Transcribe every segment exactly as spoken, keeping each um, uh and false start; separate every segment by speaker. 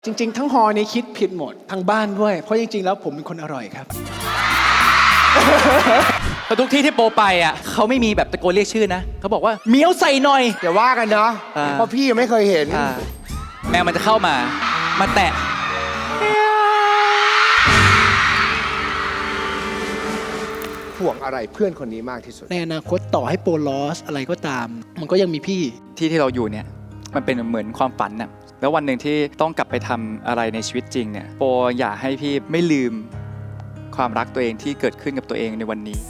Speaker 1: จริงๆทั้งฮอนี้คิดผิดหมดทั้งบ้านด้วยเพราะจริงๆแล้วผมเป็นคนอร่อยครับ
Speaker 2: แต่ทุกที่ที่โปไปอ่ะเขาไม่มีแบบตะโกนเรียกชื่อนะเขาบอกว่าเมียวใส่หน่อย
Speaker 3: อย่าว่ากันเนาะ
Speaker 2: อ่า
Speaker 3: เพราะพี่ยังไม่เคยเห็น
Speaker 2: อ่าแมวมันจะเข้ามามาแตะ
Speaker 3: ห่วงอะไรเพื่อนคนนี้มากที่สุด
Speaker 1: ในอนาคตต่อให้โปรลอสอะไรก็ตาม มันก็ยังมีพี่
Speaker 2: ที่ที่เราอยู่เนี่ยมันเป็นเหมือนความฝันน่ะแล้ววันหนึ่งที่ต้องกลับไปทำอะไรในชีวิตจริงเนี่ยโปอยากให้พี่ไม่ลืมความรักตัวเองที่เกิดขึ้นกับตัวเองในวันนี้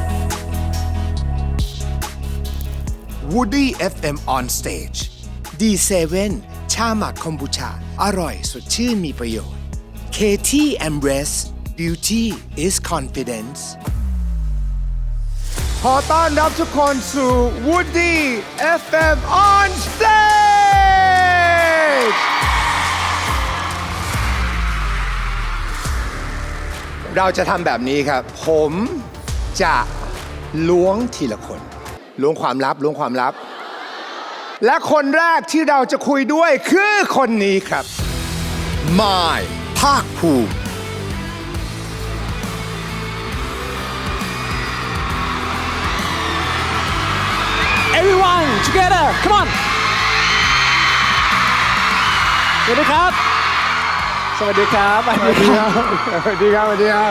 Speaker 4: Woody เอฟ เอ็ม on stage ดี เซเว่น ชาหมักคอมบูชา อร่อยสดชื่นมีประโยชน์ เค ที Embrace Beauty is Confidence
Speaker 3: ขอต้อนรับทุกคนสู่ Woody เอฟ เอ็ม on stage เราจะทำแบบนี้ครับ ผมจะล้วงทีละคน ล้วงความลับ ล้วงความลับ และคนแรกที่เราจะคุยด้วยคือคนนี้ครับ
Speaker 4: มายภาคภูมิ
Speaker 1: everyone together come on สวัสดีครับ สวัสดีครับสวัสดีครับ
Speaker 3: สวัสดีครับ สวัสดีครับ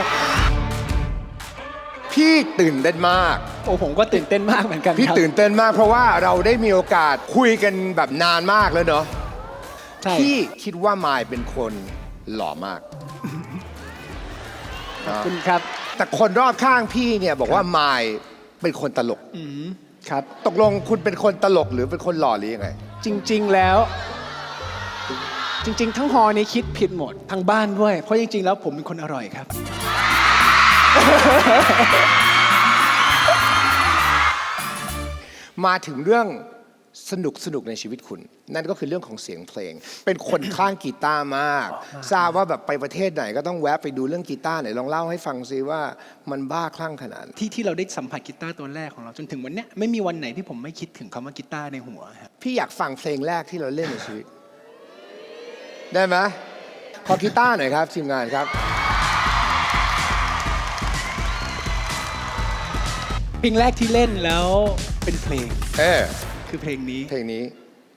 Speaker 3: พี่ตื่นเต้นมาก
Speaker 1: โอ้ผมก็ตื่นเต้นมากเหมือนกัน
Speaker 3: พี่
Speaker 1: ครับ
Speaker 3: ตื่นเต้นมากเพราะว่าเราได้มีโอกาสคุยกันแบบนานมากแล้วเนาะ
Speaker 1: ใช่
Speaker 3: พี่คิดว่ามายเป็นคนหล่อมาก
Speaker 1: ขอบคุณครับ
Speaker 3: แต่คนรอบข้างพี่เนี่ยบอกว่ามายเป็นคนตลก
Speaker 1: อืมครับ
Speaker 3: ตกลงคุณเป็นคนตลกหรือเป็นคนหล่อหรือยังไง
Speaker 1: จริงๆแล้ว จริงๆทั้งฮอนี้คิดผิดหมดทั้งบ้านด้วยเพราะจริงๆแล้วผมเป็นคนอร่อยครับ
Speaker 3: มาถึงเรื่องสนุกสนุกในชีวิตคุณ นั่นก็คือเรื่องของเสียงเพลง เป็นคนคลั่งกีตาร์มาก ทราบว่าแบบไปประเทศไหนก็ต้องแวะไปดูเรื่องกีตาร์ไหนลองเล่าให้ฟังซิว่ามันบ้าคลั่งขนาดไหน
Speaker 1: ที่ที่เราได้สัมผัสกีตาร์ตัวแรกของเราจนถึงวันเนี้ยไม่มีวันไหนที่ผมไม่คิดถึงคำว่ากีตาร์ในหัวครับ
Speaker 3: พี่อยากฟังเพลงแรกที่เราเล่นในชีวิต ได้ไหมขอกีตาร์หน่อยครับทีมงานครับ
Speaker 1: เพลงแรกที่เล่นแล้วเป็นเพลง
Speaker 3: เออ
Speaker 1: คือเพลงนี้
Speaker 3: เพลงนี้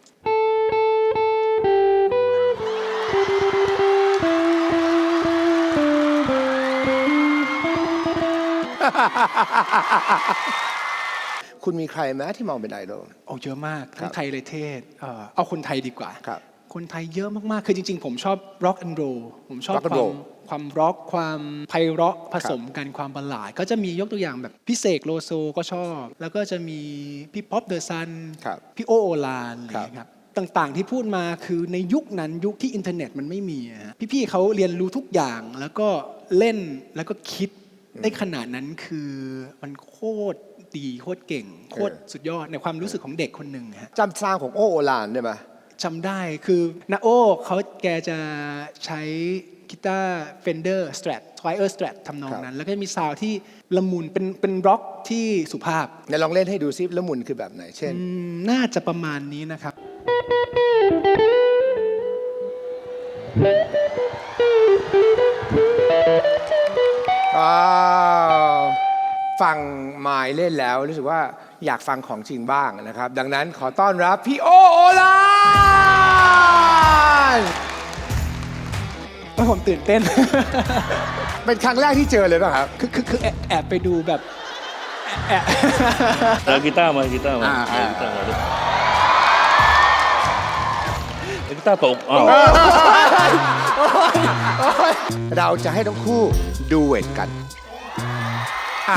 Speaker 3: คุณมีใครไหมที่มองเป็นไอดอล
Speaker 1: โอ้เยอะมาก ทั้
Speaker 3: ครั
Speaker 1: ง
Speaker 3: บ
Speaker 1: ไทยเลยเทศเอ่อเอาคนไทยดีกว่า
Speaker 3: ครับ
Speaker 1: คนไทยเยอะมากๆ คือจริงๆ ผมชอบ rock and roll ผมชอบ
Speaker 3: rock and
Speaker 1: ความ
Speaker 3: roll
Speaker 1: ความร็อกความไพเราะผสมกันความบัลลาดก็จะมียกตัวอย่างแบบพี่เสกโลโซก็ชอบ แล้วก็จะมีพี่ป๊อปเดอะซัน
Speaker 3: ครับ
Speaker 1: พี่โอโอลานอะไรอย่างเงี้ยครับต่างๆที่พูดมาคือในยุคนั้นยุคที่อินเทอร์เน็ตมันไม่มีอะฮะพี่ๆเขาเรียนรู้ทุกอย่างแล้วก็เล่นแล้วก็คิดได้ขนาดนั้นคือมันโคตรดีโคตรเก่งโคตรสุดยอดในความรู้สึกของเด็กคนหนึ่งฮะ
Speaker 3: จำซาวของโอโอลานได้ไหม
Speaker 1: จำได้คือนาโอเขาแกจะใช้กีตาร์ Fender Strat Fire Strat ทำนองนั้น แล้วก็จะมีซาวด์ที่ละมุนเป็นเป็นร็อกที่สุภาพ
Speaker 3: ไหนลองเล่นให้ดูซิแล้วหมุนคือแบบไหน เช่น
Speaker 1: อืมน่าจะประมาณนี้นะครับ
Speaker 3: อ้าวฟังไมายเล่นแล้วรู้สึกว่าอยากฟังของจริงบ้างนะครับ ดังนั้นขอต้อนรับพี่โอโอลาน
Speaker 1: ผมตื่นเต้น
Speaker 3: เป็นครั้งแรกที่เจอเลยป่ะครับ
Speaker 1: คือคือคือแอบแอบไปดูแบบแอบ
Speaker 5: เอากีตาร์มากีตาร์มา
Speaker 3: อ่า
Speaker 5: เอา
Speaker 3: อ่า
Speaker 5: กีตาร์มาดิเอากีตาร์ตกอ้าว
Speaker 3: เราจะให้ทั้งคู่ดูเวทกันอ่ะ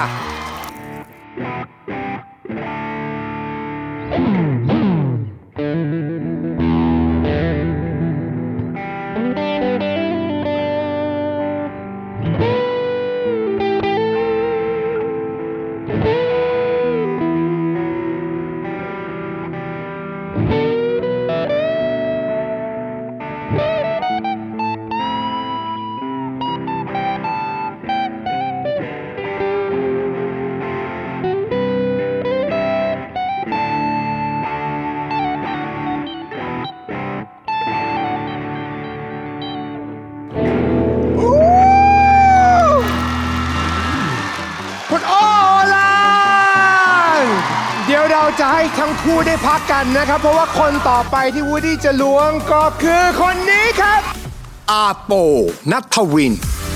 Speaker 3: จะให้ทั้งคู่ได้พักกันนะครับ เพราะว่าคนต่อไปที่วูดดี้จะล้วงก็คือคนนี้ครับ
Speaker 4: อาโปนัทวิน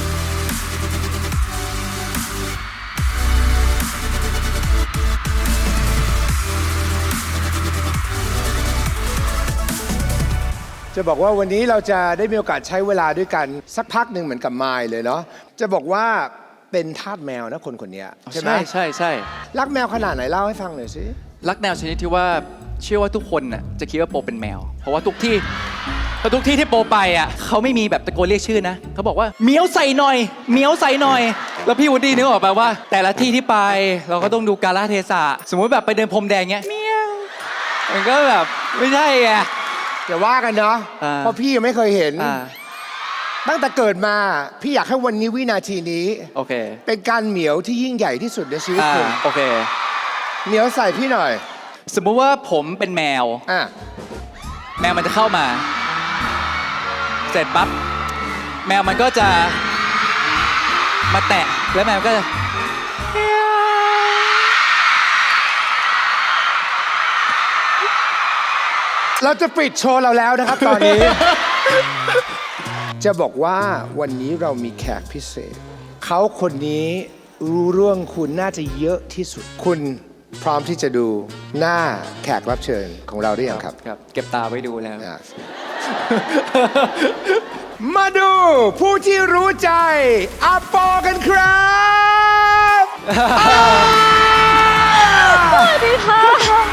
Speaker 3: จะบอกว่าวันนี้เราจะได้มีโอกาสใช้เวลาด้วยกันสักพักหนึ่งเหมือนกับมายเลยเนาะจะบอกว่าเป็นทาสแมวนะคนคนนี้ใช่ไหม
Speaker 2: ใช่ใช่ใช่
Speaker 3: รักแมวขนาดไหนเล่าให้ฟังหน่อยสิ
Speaker 2: รักแนวชนิดที่ว่าเชื่อว่าทุกคนน่ะจะคิดว่าโปเป็นแมว เพราะว่าทุกที่เพราะทุกที่ที่โปไปอ่ะเขาไม่มีแบบตะโกนเรียกชื่อนะเขาบอกว่าเมียวใส่หน่อยเมียวใส่หน่อย แล้วพี่วูดดี้นึกออกป่ะว่า แต่ละที่ที่ไปเราก็ต้องดูกาลเทศะสมมุติแบบไปเดินพรมแดงเงี้ยเมียวมันก็แบบไม่ใช่ไง
Speaker 3: อย่าว่ากันเนาะ
Speaker 2: อ่า
Speaker 3: เพราะพี่ยังไม่เคยเห็น
Speaker 2: อ่า
Speaker 3: ตั้งแต่เกิดมาพี่อยากให้วันนี้วินาทีนี้
Speaker 2: โอเค
Speaker 3: เป็นการเหมียวที่ยิ่งใหญ่ที่สุดในชีวิต
Speaker 2: อ่า
Speaker 3: คุณ
Speaker 2: โอเค
Speaker 3: เหมียวใส่พี่หน่อย
Speaker 2: สมมุติว่าผมเป็นแมว
Speaker 3: อ่ะ
Speaker 2: แมวมันจะเข้ามา เสร็จปั๊บแมวมันก็จะมาแตะแล้วแมวก็จะ
Speaker 3: เราจะปิดโชว์เราแล้วนะครับตอนนี้ จะบอกว่าวันนี้เรามีแขกพิเศษ เขาคนนี้รู้เรื่องคุณน่าจะเยอะที่สุด คุณพร้อมที่จะดูหน้าแขกรับเชิญของเราได้ยังครับ
Speaker 2: ครับเก็บตาไว้ดูแล้ว
Speaker 3: อ่ะ มาดูผู้ที่รู้ใจอาปอกันครับสวัสดีค่ะ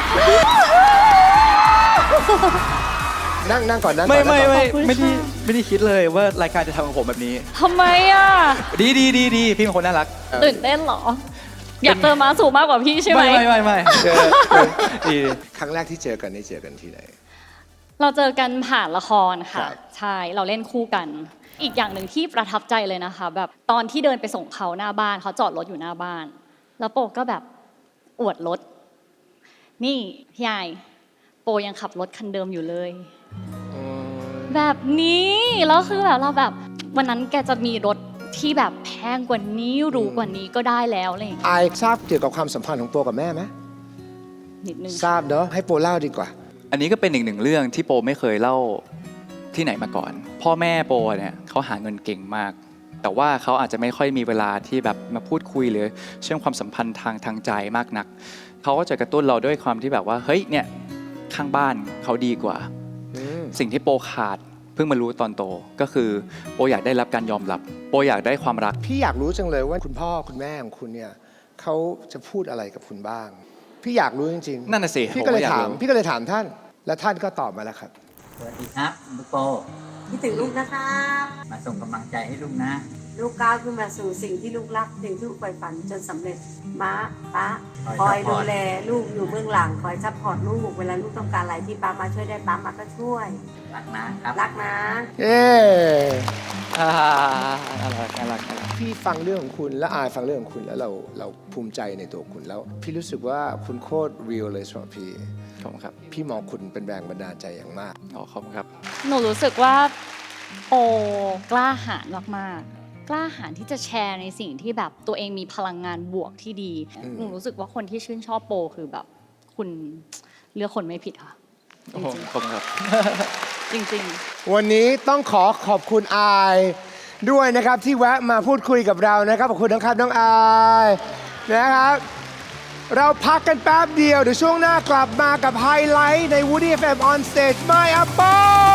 Speaker 3: นั่งนั่งก่อนนั่งก่อน
Speaker 2: ไม่
Speaker 3: นั่ง
Speaker 2: ไม่
Speaker 3: ก่อน
Speaker 2: ไม่ไม่ได้ไม่ได้คิดเลยว่ารายการจะทำกับผมแบบนี้
Speaker 6: ทำไมอ่ะ
Speaker 2: ดีดีดีดีพี่เป็นคนน่ารัก
Speaker 6: ตื่นเต้นเหรอ อยากเจอม้าสูงมากกว่าพี่ใช่ไหม
Speaker 2: ไม่ไม่ไม่ไม่เจอเออดีดี
Speaker 3: ครั้งแรกที่เจอกันนี่เจอกันที่ไหน
Speaker 6: เราเจอกันผ่านละคร
Speaker 3: ครั
Speaker 6: ค่ะ
Speaker 3: บ
Speaker 6: ใช่ เราเล่นคู่กัน อีกอย่างหนึ่งที่ประทับใจเลยนะคะ แบบตอนที่เดินไปส่งเขาหน้าบ้านเขาจอดรถอยู่หน้าบ้าน แล้วโปก็แบบอวดรถ นี่พี่ยายโปยังขับรถคันเดิมอยู่เลย แบบนี้แล้วคือแบบเราแบบวันนั้นแกจะมีรถที่แบบแพงกว่านี้หรูกว่านี้ก็ได้แล้วอะไรอย่างเลย
Speaker 3: อายทราบเกี่ยวกับความสัมพันธ์ของโปกับแม่ไหม
Speaker 6: นิดนึง
Speaker 3: ทราบเนาะให้โปเล่าดีกว่า
Speaker 2: อันนี้ก็เป็นอีกหนึ่งเรื่องที่โปไม่เคยเล่าที่ไหนมาก่อน พ่อแม่โปเนี่ยเขาหาเงินเก่งมาก แต่ว่าเขาอาจจะไม่ค่อยมีเวลาที่แบบมาพูดคุยหรือเชื่อมความสัมพันธ์ทางทางใจมากนักเขาก็จะกระตุ้นเราด้วยความที่แบบว่าเฮ้ยเนี่ยข้างบ้านเขาดีกว่า สิ่งที่โปขาดเพิ่งมารู้ตอนโตก็คือโปอยากได้รับการยอมรับโปอยากได้ความรัก
Speaker 3: พี่อยากรู้จังเลยว่าคุณพ่อคุณแม่ของคุณเนี่ยเขาจะพูดอะไรกับคุณบ้าง พี่อยากรู้จริงๆ
Speaker 2: นั่นน่ะสิ
Speaker 3: พี่ก็เลย
Speaker 2: ผมก็อยาก
Speaker 3: ถาม
Speaker 2: รู้
Speaker 3: พี่ก็เลยถามท่าน และท่านก็ตอบมาแล้วครับ
Speaker 7: สวัสดีครับลูกโป
Speaker 8: คิดถึงลูกนะครับ
Speaker 7: มาส่งกำลังใจให้ลูกนะ
Speaker 8: ลูกก้าวขึ้นมาสู่สิ่งที่ลูกรักสิ่งที่ลูกใฝ่ฝันจนสำเร็จม้าป้าค
Speaker 7: ค
Speaker 8: อ
Speaker 7: อย ย
Speaker 8: ดู
Speaker 7: support
Speaker 8: แลลูกอยู่เบื้องหลังคอยซัพพอร์ตลูกเวลาลูกต้องการอะไรที่ป้ามาช่วยได้ป้ามาก็ช่วย
Speaker 7: รักนะครับ
Speaker 8: รักนะ
Speaker 3: เอ๊
Speaker 2: อ่าน่ารักน่ารักน่ารัก
Speaker 3: พี่ฟังเรื่องของคุณและอายฟังเรื่องของคุณแล้วเราเราภูมิใจในตัวคุณแล้ว พี่รู้สึกว่าคุณโคตรเรียลเลยสำหรับพี่
Speaker 2: ขอบคุณครับ
Speaker 3: พี่มองคุณเป็นแรงบันดาลใจอย่างมาก
Speaker 2: อ๋อขอบคุณครับ
Speaker 6: หนูรู้สึกว่าโปกล้าหาญมากๆ กล้าหาญที่จะแชร์ในสิ่งที่แบบตัวเองมีพลังงานบวกที่ดี
Speaker 3: อืม
Speaker 6: หนูรู้สึกว่าคนที่ชื่นชอบโปคือแบบ คุณเลือกคนไม่ผิดค่ะ
Speaker 2: โอ้โหขอบคุณครับ
Speaker 6: จริงๆ
Speaker 3: วันนี้ต้องขอขอบคุณอายด้วยนะครับที่แวะมาพูดคุยกับเรานะครับขอบคุณนะครับน้องอายนะครับ เราพักกันแป๊บเดียวเดี๋ยวช่วงหน้ากลับมากับไฮไลท์ใน Woody เอฟ เอ็ม on stage My Apple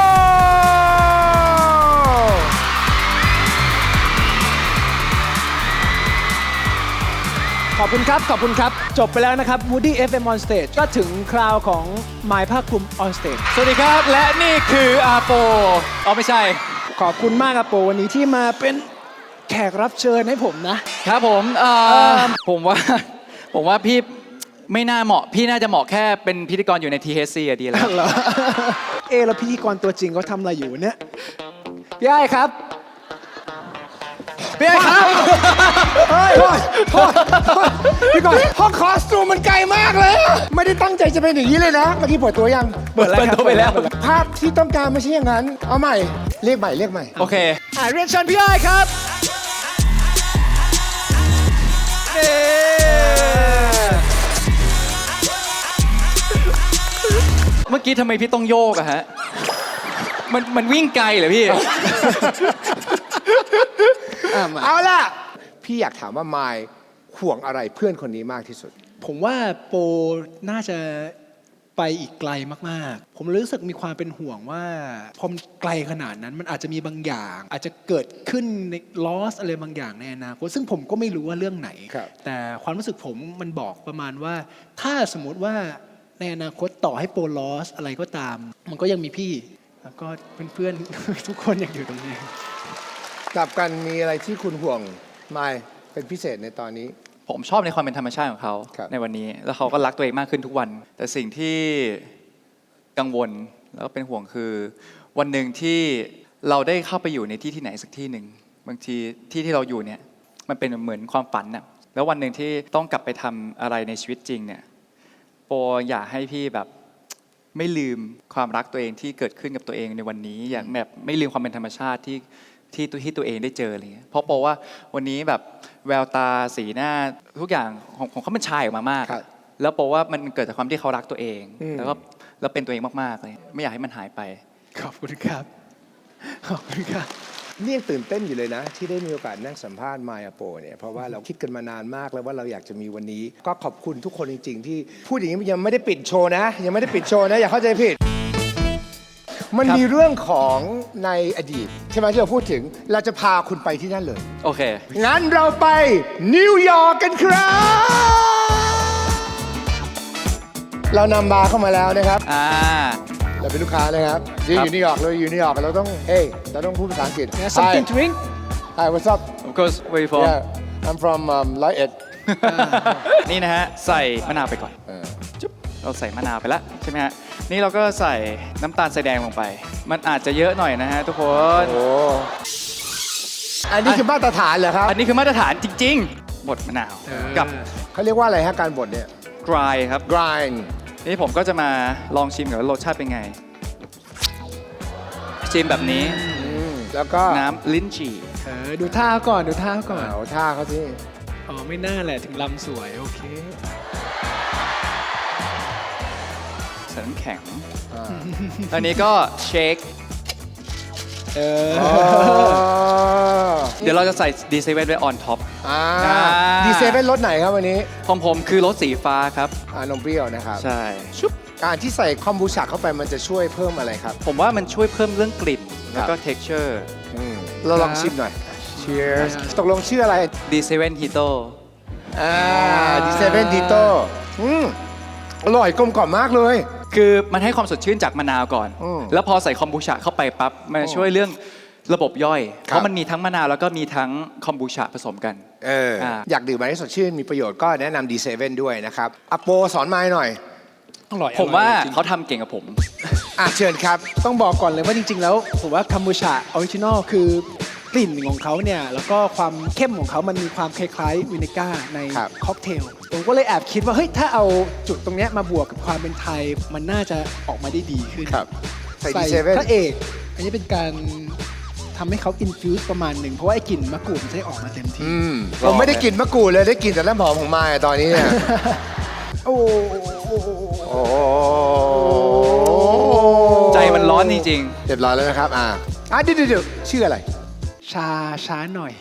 Speaker 1: ขอบคุณครับ ขอบคุณครับ จบไปแล้วนะครับ Woody เอฟ เอ็ม on stage ก็ถึงคราวของไมค์ภาคภูมิ on stage
Speaker 2: สวัสดีครับ และนี่คืออาโปอ๋อไม่ใช่
Speaker 1: ขอบคุณมากครับโปวันนี้ที่มาเป็นแขกรับเชิญให้ผมนะ
Speaker 2: ครับผมเอ่อผมว่า ผมว่าพี่ไม่น่าเหมาะ พี่น่าจะเหมาะแค่เป็นพิธีกรอยู่ใน ที เอช ซี อะดีแล้ว
Speaker 1: เหรอ เอะแล้วพิธีกรตัวจริงเขาทำอะไรอยู่เนี่ยพี่ไอ้ครับ
Speaker 2: พี่ครับ
Speaker 3: เฮ้ยโทษโทษโทษพี่ก่อนห้องคอสตูมมันไกลมากเลยอะไม่ได้ตั้งใจจะเป็นอย่างนี้เลยนะ เมื่อกี้เปิดตัวยัง
Speaker 2: เปิดตัวไปแล้ว
Speaker 3: ภาพที่ต้องการไม่ใช่อย่างนั้น เอาใหม่ เรียกใหม่ เรียกใหม่
Speaker 2: โอเค
Speaker 1: อ่ะเรียนเชิญพี่ไอ้ครับเย้
Speaker 2: เมื่อกี้ทำไมพี่ต้องโยกอะฮะ มันมันวิ่งไกลเหรอพี่
Speaker 1: อ่ะมา
Speaker 3: เอาล่ะ พี่อยากถามว่ามายห่วงอะไรเพื่อนคนนี้มากที่สุด
Speaker 1: ผมว่าโปน่าจะไปอีกไกลมากๆ ผมรู้สึกมีความเป็นห่วงว่าพอมนไกลขนาดนั้นมันอาจจะมีบางอย่าง อาจจะเกิดขึ้นในลอสอะไรบางอย่างในอนาคตซึ่งผมก็ไม่รู้ว่าเรื่องไหน
Speaker 3: ครับ
Speaker 1: แต่ความรู้สึกผมมันบอกประมาณว่า ถ้าสมมติว่าในอนาคตต่อให้โปลอสอะไรก็ตาม มันก็ยังมีพี่ แล้วก็เพื่อนๆ ทุกคนยังอยู่ตรงนี้
Speaker 3: กลับกันมีอะไรที่คุณห่วงมายเป็นพิเศษในตอนนี้
Speaker 2: ผมชอบในความเป็นธรรมชาติของเขา
Speaker 3: ครับ
Speaker 2: ในวันนี้ แล้วเขาก็รักตัวเองมากขึ้นทุกวัน แต่สิ่งที่กังวลแล้วก็เป็นห่วงคือ วันหนึ่งที่เราได้เข้าไปอยู่ในที่ที่ไหนสักที่หนึ่งบางทีที่ที่เราอยู่เนี่ยมันเป็นเหมือนความฝันน่ะแล้ววันหนึ่งที่ต้องกลับไปทำอะไรในชีวิตจริงเนี่ยโปอยากให้พี่แบบไม่ลืมความรักตัวเองที่เกิดขึ้นกับตัวเองในวันนี้ อย่างแบบไม่ลืมความเป็นธรรมชาติที่ที่ตัวที่ตัวเองได้เจออะไรเงี้ยเพราะโปว่าวันนี้แบบแววตาสีหน้าทุกอย่างของของเขาเป็นชายออกมามาก
Speaker 3: ครับ
Speaker 2: แล้วโปว่ามันเกิดจากความที่เขารักตัวเอง
Speaker 3: อืม
Speaker 2: แล้วก็แล้วเป็นตัวเองมากๆเลยไม่อยากให้มันหายไป
Speaker 1: ขอบคุณครับ ขอบคุณครับ
Speaker 3: นี่ยังตื่นเต้นอยู่เลยนะ ที่ได้มีโอกาสนั่งสัมภาษณ์มายาโปเนี่ยเพราะว่าเราคิดกันมานานมากแล้วว่าเราอยากจะมีวันนี้ ก็ขอบคุณทุกคนจริง ๆ ที่พูดอย่างนี้ยังไม่ได้ปิดโชว์นะ ยังไม่ได้ปิดโชว์นะ อย่าเข้าใจผิด มันมีเรื่องของในอดีต ใช่ไหมที่เราพูดถึงเราจะพาคุณไปที่นั่นเลย
Speaker 2: โอเค
Speaker 3: งั้นเราไปนิวยอร์กกันครับ เรานำบาร์เข้ามาแล้วนะครับ
Speaker 2: อ่า
Speaker 3: เราเป็นลูกค้านะครับยืนอยู่นิวยอร์กเราอยู่นิวยอร์กเราต้องเฮ้ยเราต้องพูดภาษาอังกฤษ
Speaker 1: Yeah, something to drink
Speaker 3: Hi what's up
Speaker 2: of course where you from
Speaker 3: Yeah I'm from um, ร้อยเอ็ด
Speaker 2: นี่นะฮะ ใส่มะนาวไปก่อน
Speaker 3: เออ
Speaker 2: จุ๊บเราใส่มะนาวไปแล้วใช่ไหมฮะ นี่เราก็ใส่น้ำตาลทรายแดงลงไป มันอาจจะเยอะหน่อยนะฮะทุกคน
Speaker 3: โอ้อันนี้คือมาตรฐานเหรอครับ
Speaker 2: อันนี้คือมาตรฐานจริงๆ บดมะนาว กับ
Speaker 3: เขาเรียกว่าอะไรฮะการบดเนี่ย
Speaker 2: dry ครับ
Speaker 3: grind
Speaker 2: นี่ผมก็จะมาลองชิมก่อนว่ารสชาติเป็นไง ชิมแบบนี้
Speaker 3: อืมแล้วก็
Speaker 2: น้ำลิ้นจี่
Speaker 1: เออดูท่าก่อนดูท่าก่อน
Speaker 3: เอาท่าเขาที่
Speaker 1: อ๋อไม่น่าแหละถึงลำสวยโอเค
Speaker 2: ใส่น้ำแข็ง อันนี้ก็เชค
Speaker 1: เออ
Speaker 2: เดี๋ยวเราจะใส่ดีเซเว่นไว้ออนท็อป
Speaker 3: อ่า
Speaker 2: อ่า
Speaker 3: ดีเซเว่นรสไหนครับวันนี้
Speaker 2: ของผมคือรสสีฟ้าครับ
Speaker 3: อ่านมเปรี้ยวนะครับ
Speaker 2: ใช่
Speaker 3: ชุบการที่ใส่คอมบูชาเข้าไปมันจะช่วยเพิ่มอะไรครับ
Speaker 2: ผมว่ามันช่วยเพิ่มเรื่องกลิ่น
Speaker 3: ครั
Speaker 2: แล้ว
Speaker 3: บ
Speaker 2: ก็ texture
Speaker 3: อืมเราลองชิมหน่อย Cheers ตกลงชื่ออะไร
Speaker 2: ดีเซเว่นฮิโต
Speaker 3: อ่าดีเซเว่นดีโต้อืมอร่อยกลมกล่อมมากเลย
Speaker 2: คือมันให้ความสดชื่นจากมะนาวก่อน
Speaker 3: อืม
Speaker 2: แล้วพอใส่คอมบูชาเข้าไปปั๊บ มันจะช่วยเรื่องระบบย่อย
Speaker 3: ครับ
Speaker 2: เพราะมันมีทั้งมะนาวแล้วก็มีทั้งคอมบูชาผสมกัน
Speaker 3: เอออา อยากดื่มอะไรให้สดชื่นมีประโยชน์ก็แนะนำดีเซเว่นด้วยนะครับอโปสอนไม้หน่อย
Speaker 1: อร่อย
Speaker 2: ผมว่า
Speaker 1: อร่อยจริง
Speaker 2: เขาทำเก่งกับผม
Speaker 3: อ่ะเชิญครับ
Speaker 1: ต้องบอกก่อนเลยว่าจริง ๆ แล้วผมว่าคัมบูชาออริจินอลคือกลิ่นของเขาเนี่ย แล้วก็ความเข้มของเขามันมีความคล้ายๆวินิก้าใน
Speaker 3: ครับ
Speaker 1: ค็อกเทลผมก็เลยแอบคิดว่า เฮ้ย ถ้าเอาจุดตรงเนี้ยมาบวกกับความเป็นไทย มันน่าจะออกมาได้ดีขึ้น
Speaker 3: ครับใส่ดีเซเว่น
Speaker 1: พระเอก อันนี้เป็นการทำให้เขาอินฟิวส์ประมาณหนึ่งเพราะว่าไอ้กลิ่นมะกรูดมันจะได้ออกมาเต็มที่
Speaker 3: อืมผมไม่ได้กลิ่นมะกรูดเลยได้กลิ่นแต่น้ำหอมของไม้ตอนนี้เนี่ย
Speaker 1: โอ้
Speaker 3: โอ้
Speaker 2: ใจมันร้อนจริง
Speaker 3: เรียบร้อยแล้วนะครับอ่าอ่ะเดี๋ยวเดี๋ยวเดี๋ยวชื่ออะไร
Speaker 1: ชาช้าหน่อย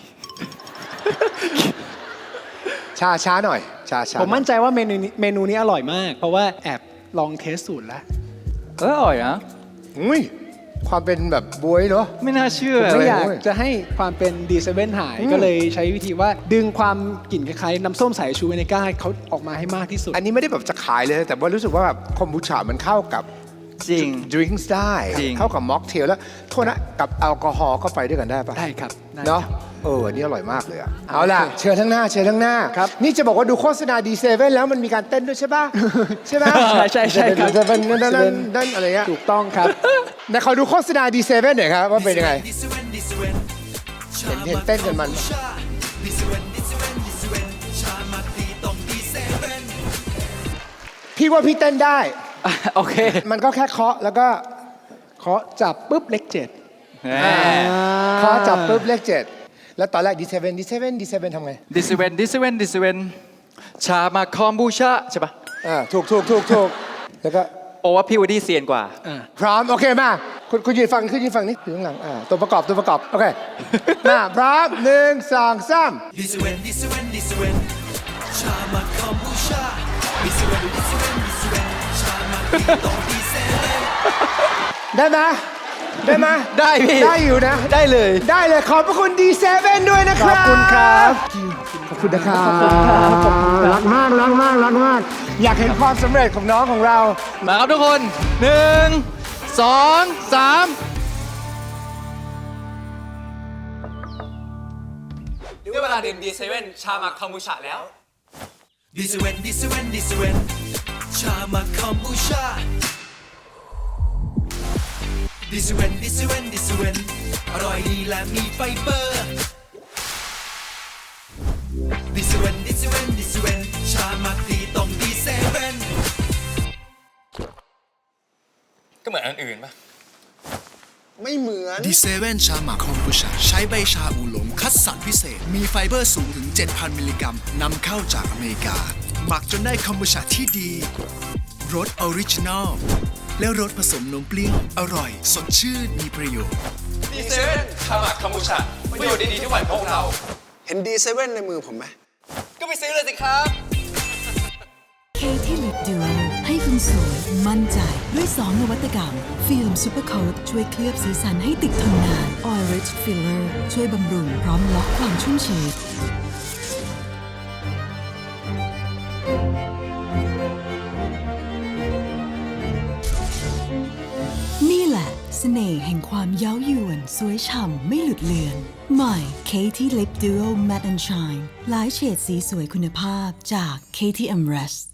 Speaker 3: ชาช้าหน่อย ชาช้า
Speaker 1: ผมมั่นใจว่าเมนูนี้เมนูนี้อร่อยมาก เพราะว่าแอบลองเทสสูตรแล้ว
Speaker 2: ๆ เอออร่อยนะ
Speaker 3: อุ้ยความเป็นแบบบวยเนาะ
Speaker 2: ไม่น่าเชื่อ
Speaker 1: ผมไม่อยาก
Speaker 3: โอ้ย
Speaker 1: จะให้ความเป็นดีเซเว่นหาย
Speaker 3: อืม
Speaker 1: ก็เลยใช้วิธีว่าดึงความกลิ่นคล้ายๆน้ำส้มสายชูเวเนก้าให้เขาออกมาให้มากที่สุด
Speaker 3: อันนี้ไม่ได้แบบจะขายเลย แต่ว่ารู้สึกว่าแบบคอมบูชามันเข้ากับ
Speaker 2: จริง
Speaker 3: ดริงก์ได้
Speaker 2: จริง
Speaker 3: เข้ากับม็อกเทลแล้วโทษนะกับแอลกอฮอล์ก็ไปด้วยกันได้ปะ
Speaker 1: ได้ครับได้
Speaker 3: เนาะ
Speaker 1: ครับ
Speaker 3: เอออันนี้อร่อยมากเลยอะ
Speaker 1: เอา
Speaker 3: เอาล่ะ
Speaker 1: โอเค
Speaker 3: เชิญทั้งหน้าเชิญทั้งหน้า
Speaker 1: ครับ
Speaker 3: นี่จะบอกว่าดูโฆษณาดีเซเว่นแล้วมันมีการเต้นด้วยใช่ปะ ใช่ไหม
Speaker 1: ใช่ใช่ใช่ครับ
Speaker 3: ดีเซเว่นนั่นนั่นนั่นอะไรเงี้ย
Speaker 1: ถูกต้องครับ
Speaker 3: ไหนขอดูโฆษณาดีเซเว่นหน่อยครับว่าเป็นยังไงเห็นเห็นเต้นกันมันพี่ว่าพี่เต้นได้
Speaker 2: โอเค
Speaker 3: มันก็แค่เคาะแล้วก็
Speaker 1: เคาะจับปุ๊บเลขเจ็ด
Speaker 2: แหม
Speaker 3: เคาะจับปุ๊บเลขเจ็ดแล้วตอนแรกดีเซเว่นดีเซเว่นดีเซเว่นทำไง
Speaker 2: ดิสเวนดิสเวนดิสเวนชามาคอมบูชาใช่ปะ
Speaker 3: อ่าถูกถูกถูกถูกแล้วก็
Speaker 2: โปว่าพี่วูดดี้เซียนกว่า
Speaker 1: อ่า
Speaker 3: พร้อม โอเคมาคุณคุณยืนฟังคุณยืนฟังนี่อยู่ข้างหลังอ่าตัวประกอบตัวประกอบ โอเค มาพร้อมหนึ่งสองสาม
Speaker 4: This when this when this when ชามาคอมบูชา This when this when this when ชามาตีตรงดีเซเว่น
Speaker 3: ได้ไหมได้ไหม
Speaker 2: ได้พี่
Speaker 3: ได้อยู่นะ
Speaker 2: ได้เลย
Speaker 3: ได้เลยขอบพระคุณดีเซเว่นด้วยนะครับ
Speaker 1: ขอบคุณครับ
Speaker 3: ขอบคุณนะครับรักมากรักมากรักมาก อยากเห็นความสำเร็จของน้องของเรา
Speaker 2: มาครับทุกคนหนึ่งสองสาม
Speaker 9: ได้เวลาดื่มดีเซเว่นชาหมักคอมบูชาแล้ว
Speaker 4: This when this when this when ชามาคอมบูชา This when this when this when อร่อยดีและมีไฟเบอร์ This when this when this when ชามาตีตรงดีเซเว่น
Speaker 9: ก็เหมือนอันอื่นปะ
Speaker 4: ดีเซเว่นชาหมักคอมบูชาใช้ใบชาอูหลงคัดสรรพิเศษ มีไฟเบอร์สูงถึง เจ็ดพัน มิลลิกรัมนำเข้าจากอเมริกา หมักจนได้คอมบูชาที่ดี รสออริจินอล และรสผสมนมเปรี้ยว อร่อย สดชื่น มีประโยชน์
Speaker 9: ดีเซเว่นชาหมักคอมบูชาประโยชน์ดีๆที่ไหวพวกเรา
Speaker 10: เห็นดีเซเว่นในมือผมไหม
Speaker 9: ก็ไปซื้อเลยสิครับ
Speaker 11: เคที่ลิปดูโอให้คุณสวยมั่นใจด้วยสองนวัตกรรม ฟิล์มซูเปอร์โค้ทช่วยเคลือบสีสันให้ติดทนนาน Oil Rich Filler ช่วยบำรุงพร้อมล็อกความชุ่มชื้นนี่แหละเสน่ห์แห่งความเย้ายวนสวยฉ่ำไม่หลุดเลือน ใหม่ Katie Lip Duo Matte and Shine หลายเฉดสีสวยคุณภาพจาก Katie Amrest